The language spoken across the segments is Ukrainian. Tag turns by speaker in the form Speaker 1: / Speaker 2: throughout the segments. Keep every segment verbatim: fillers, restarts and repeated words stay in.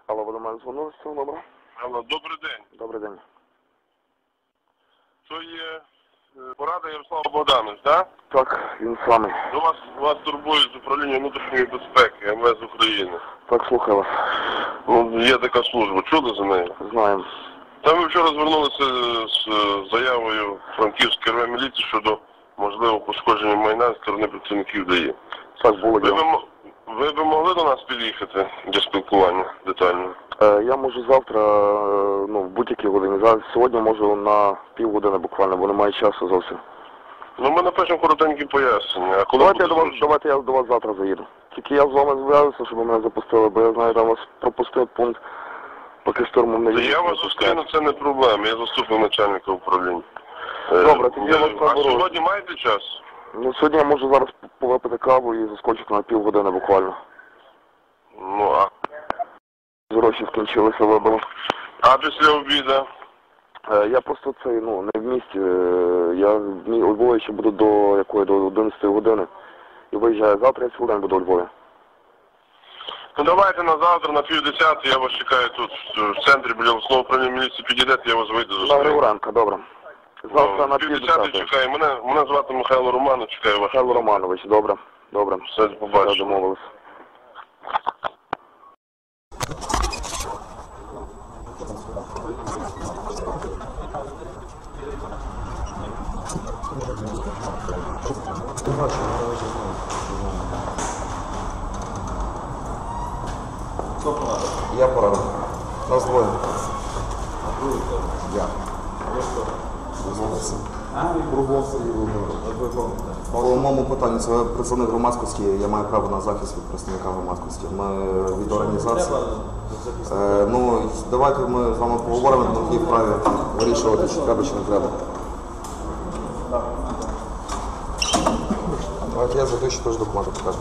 Speaker 1: Алло, ви до мене дзвонили з цього номера?
Speaker 2: Алло, добрий день.
Speaker 1: Добрий день.
Speaker 2: Це є порада Ярослав Богданович, так?
Speaker 1: Так, він самий.
Speaker 2: До вас, вас турбують з управління внутрішньої безпеки ем ве ес України.
Speaker 1: Так, слухаю вас.
Speaker 2: Ну, є така служба, чули за нею?
Speaker 1: Знаємо.
Speaker 2: Там ми вчора звернулися з заявою Франківської РВ міліції щодо можливого пошкодження майна з сторони працівників ДАІ.
Speaker 1: Так, було
Speaker 2: Ви
Speaker 1: діло.
Speaker 2: б, ви б могли до нас під'їхати для спілкування детально?
Speaker 1: Е, я можу завтра, е, ну, в будь-якій годині. Зараз сьогодні можу на півгодини буквально, бо немає часу зовсім.
Speaker 2: Ну, ми напишемо коротенькі пояснення. А коли
Speaker 1: Давайте я,
Speaker 2: буде
Speaker 1: до вас,
Speaker 2: зручно?
Speaker 1: давайте я до вас завтра заїду. Тільки я з вами зв'язуюся, щоб ви мене запустили, бо я знаю, там вас пропустив пункт, поки штурмом не
Speaker 2: Та
Speaker 1: їздить.
Speaker 2: я вас зустріну, це не проблема, я заступник начальника управління.
Speaker 1: Добре, тоді я вас
Speaker 2: А
Speaker 1: наберу.
Speaker 2: сьогодні маєте час?
Speaker 1: Ну, сьогодні я можу зараз повипити каву і заскочити на півгодини буквально.
Speaker 2: Ну, а,
Speaker 1: Гроші скінчилися, вибили.
Speaker 2: а після обіду?
Speaker 1: Е, Я просто цей, ну, не в місті. Е, Я в мі- у Львові ще буду до якої, до одинадцятої години. І виїжджаю завтра, я цілий день буду у Львові.
Speaker 2: Ну давайте на завтра, на півдесятої, я вас чекаю тут, в центрі, біля основного управління міліції, підійдете, я вас вийду
Speaker 1: На
Speaker 2: зустріну.
Speaker 1: Григоренка, добре. Завтра на
Speaker 2: півдесятої
Speaker 1: півдесятої.
Speaker 2: чекаю. Мене, мене звати Михайло Романов, чекаю вас.
Speaker 1: Михайло Романович, добре, добре.
Speaker 2: Все, побачимо.
Speaker 1: Домовились. Я порадив. Нас двоє. Я. По моєму питанню, це представник громадськості, я маю право на захист від представника громадськості. Ми від організації. Е, ну, давайте ми з вами поговоримо, на якій вправі вирішувати, чи треба, чи не треба. Давайте я за те, що теж документи покажу.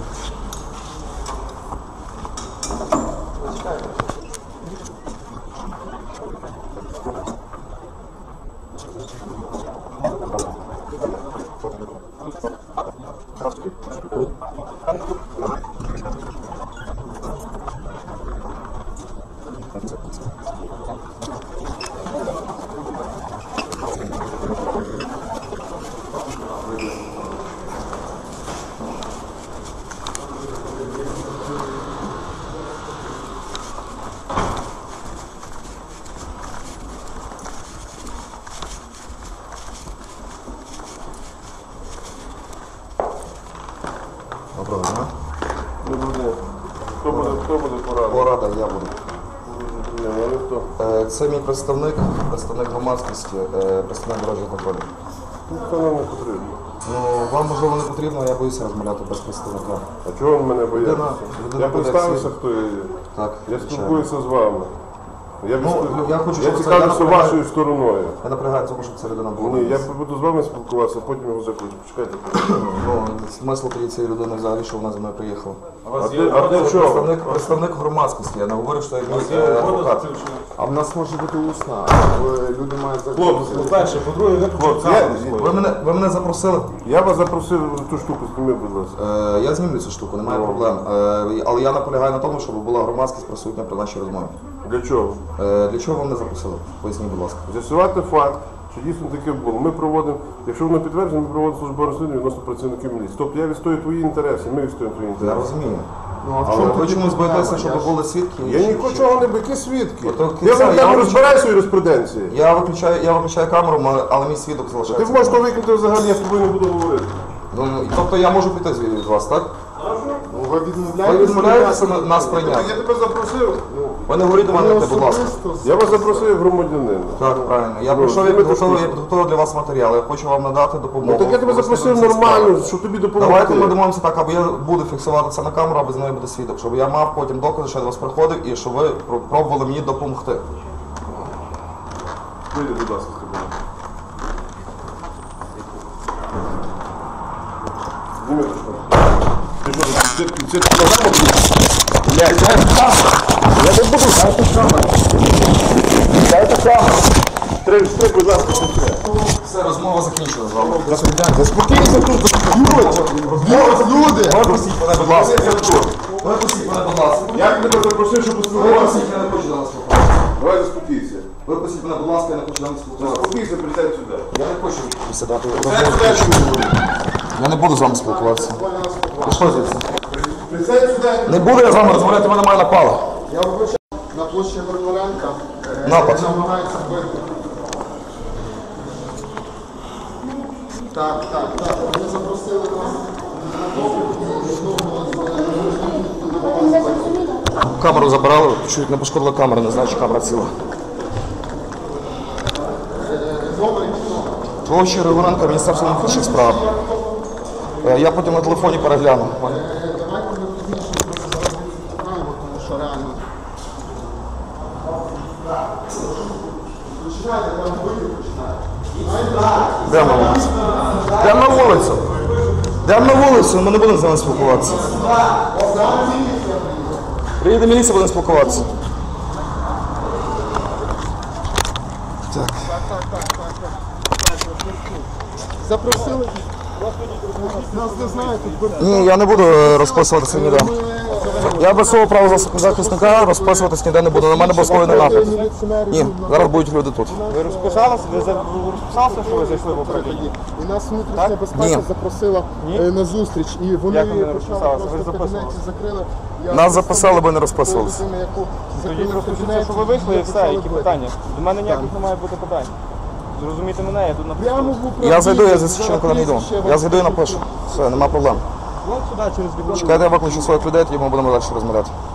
Speaker 1: Доброго дня.
Speaker 2: Добрий день. Хто буде, хто буде порадити?
Speaker 1: Порада, я буду.
Speaker 2: Ні, ну ніхто.
Speaker 1: Е, Це мій представник, представник громадськості, е, представник дорожнього контролю.
Speaker 2: Ну, це нам не потрібно.
Speaker 1: Ну, вам, можливо, не потрібно, я боюся розмовляти без представника.
Speaker 2: А чого ви мене боїтеся?
Speaker 1: Людина- людина
Speaker 2: Я
Speaker 1: буде
Speaker 2: представився,
Speaker 1: всі-
Speaker 2: хто я є.
Speaker 1: Так,
Speaker 2: Я
Speaker 1: звичайно.
Speaker 2: спілкуюся з вами. Я,
Speaker 1: Ну,
Speaker 2: відступ-
Speaker 1: я хочу,
Speaker 2: я
Speaker 1: щоб це-
Speaker 2: цікавлюся
Speaker 1: я наполягаю-
Speaker 2: вашою стороною.
Speaker 1: Я наполягаю цьому, щоб ця людина була.
Speaker 2: Ні, я буду з вами спілкуватися, а потім його закличу. Почекайте.
Speaker 1: Ну, смисл тоді цієї людини взагалі, що вона зі мною приїхала.
Speaker 2: А для, а для
Speaker 1: Це
Speaker 2: чого?
Speaker 1: представник, представник громадськості, я не говорю, що я мій е, адвокат.
Speaker 3: А в нас може бути усна, люди мають
Speaker 2: Хлопці,
Speaker 3: по-перше, по-друге, ви
Speaker 2: Хлопці, я,
Speaker 1: Ви мене, ви мене запросили?
Speaker 2: я вас запросив ту штуку, зніми, будь ласка.
Speaker 1: Е, я знімлю цю штуку, немає проблем. Е, але я наполягаю на тому, щоб була громадськість присутня при нашій розмові.
Speaker 2: Для чого?
Speaker 1: Е, для чого вам не запросили? Поясніть, будь ласка.
Speaker 2: З'ясувати факт, що дійсно таке було. Ми проводимо, якщо воно підтверджено, ми проводимо службове розслідування відносно працівників міліції. Тобто я відстоюю твої інтереси, ми відстоюємо твої
Speaker 1: Я
Speaker 2: інтереси.
Speaker 1: розумію.
Speaker 3: Ну, а в
Speaker 1: Але
Speaker 3: чому
Speaker 1: ви
Speaker 3: тоді
Speaker 1: чомусь
Speaker 3: проблема?
Speaker 1: боїтеся, щоб
Speaker 3: Я ж-
Speaker 1: були свідки?
Speaker 2: Я
Speaker 1: Чи-
Speaker 2: нічого не бики свідки.
Speaker 1: Ото
Speaker 2: Я,
Speaker 1: кінця,
Speaker 2: вам-
Speaker 1: я
Speaker 2: я
Speaker 1: вам-
Speaker 2: розбираюся у юриспруденції.
Speaker 1: Я виключаю, я виключаю камеру, ма- але мій свідок
Speaker 2: Ти
Speaker 1: залишається.
Speaker 2: можеш то викинути взагалі, я з тобою не буду говорити.
Speaker 1: Ну, ну, тобто я можу піти звідти від вас, так?
Speaker 3: Ну, ви відмовляєтеся?
Speaker 1: Ви відмовляєтеся на- нас прийняти.
Speaker 2: Я тебе запросив.
Speaker 1: Ви не говоріть до мене, будь ласка.
Speaker 2: Я вас запросив як громадянина.
Speaker 1: Так, правильно. Я
Speaker 2: Ну,
Speaker 1: прийшов, я
Speaker 2: знімете
Speaker 1: підготував, я
Speaker 2: штуку.
Speaker 1: підготував для вас матеріал. Я хочу вам надати допомогу.
Speaker 2: Ну так я тебе
Speaker 1: Ви
Speaker 2: запросив
Speaker 1: розслідуєте
Speaker 2: нормально,
Speaker 1: справу.
Speaker 2: щоб тобі допомогти.
Speaker 1: Давайте ми домовимося так, або я буду фіксувати це на камеру, або з нею буде свідок, щоб я мав потім докази, що я до вас приходив і щоб ви про- пробували мені допомогти.
Speaker 2: Вийди, будь ласка, з кабінету. Зніми ту штуку. Ти що, це, це, це програма буде?
Speaker 3: Блядь, дайте камеру! Я не буду, дайте камеру! Дайте камеру!
Speaker 2: Стрим, стрим, будь ласка, стрим.
Speaker 1: Все, розмова закінчена з вами.
Speaker 3: Заспокійтеся тут, заспокойтеся! Люди!
Speaker 1: Пропустіть мене, будь ласка. Випустіть мене, будь ласка.
Speaker 3: Я тебе запросив, щоб поспілкуватися.
Speaker 1: Випустіть, я не хочу до вас спілкуватися.
Speaker 3: Давай заспокійся.
Speaker 1: Випустіть мене, будь ласка, я не хочу до вас спілкуватися.
Speaker 3: Заспокійся, присядь сюди.
Speaker 1: Я не хочу присідати.
Speaker 3: Присядь сюди, що ти говориш.
Speaker 1: Я не буду з вами спілкуватися. Пішли звідси.
Speaker 3: Присядь сюди.
Speaker 1: Не буду я з вами розмовляти, мене немає напала.
Speaker 4: Я вибачаю, на площі Горноренка е,
Speaker 1: Напад.
Speaker 4: намагається вбити. Так, так, так. Вони запросили нас на допит і знову з
Speaker 1: Камеру забирали, чуть не пошкодила камера, не знаю, чи камера ціла.
Speaker 4: номер кіно.
Speaker 1: Площа Григоренка, Міністерство внутрішніх справ. Е, Я потім на телефоні перегляну.
Speaker 4: Давайте ми пізніше просто зараз відправимо, тому що реально. Починайте, там бити починає.
Speaker 1: Йдемо на вулицю. Йдемо на вулицю. Йдемо на вулицю, ми не будемо з вами спілкуватися. Приїде міліція, будемо спілкуватися. Так.
Speaker 4: Запросили. Нас не знають, тут
Speaker 1: Ні, я не буду е, розписуватися ніде. Я без свого права захисника розписуватись ніде не буду. На мене обов'язковий напад. Ні, зараз будуть люди тут.
Speaker 5: Ви розписалися? Ви за- ви розписалися, що ви зайшли в управління?
Speaker 4: І нас внутрішня безпека
Speaker 1: Ні.
Speaker 4: запросила
Speaker 5: Ні?
Speaker 4: е, на зустріч. І вони
Speaker 5: Як ви не
Speaker 4: почали
Speaker 5: розписалися? Ви
Speaker 4: просто в
Speaker 5: записували?
Speaker 4: кабінеті закрили. Я
Speaker 1: Нас
Speaker 4: просто
Speaker 1: записали, бо не
Speaker 4: ту
Speaker 1: розписувалися.
Speaker 4: людину, яку
Speaker 5: Тоді
Speaker 4: закрили в
Speaker 5: розпишіться,
Speaker 4: кабінеті,
Speaker 5: що ви вийшли і все,
Speaker 4: почали
Speaker 5: які
Speaker 4: бити.
Speaker 5: питання. До мене ніяких не має бути питань. Зрозумійте мене, я тут
Speaker 4: Прямо
Speaker 5: напишу.
Speaker 4: в управлінні.
Speaker 1: Я зайду, я за
Speaker 4: зараз
Speaker 1: священником не йду.
Speaker 4: прізвище,
Speaker 1: Я зайду і напишу. Все, нема проблем.
Speaker 5: Вон сюди через вікно.
Speaker 1: Чекайте, я виключу своїх людей, тоді ми будемо далі розмовляти.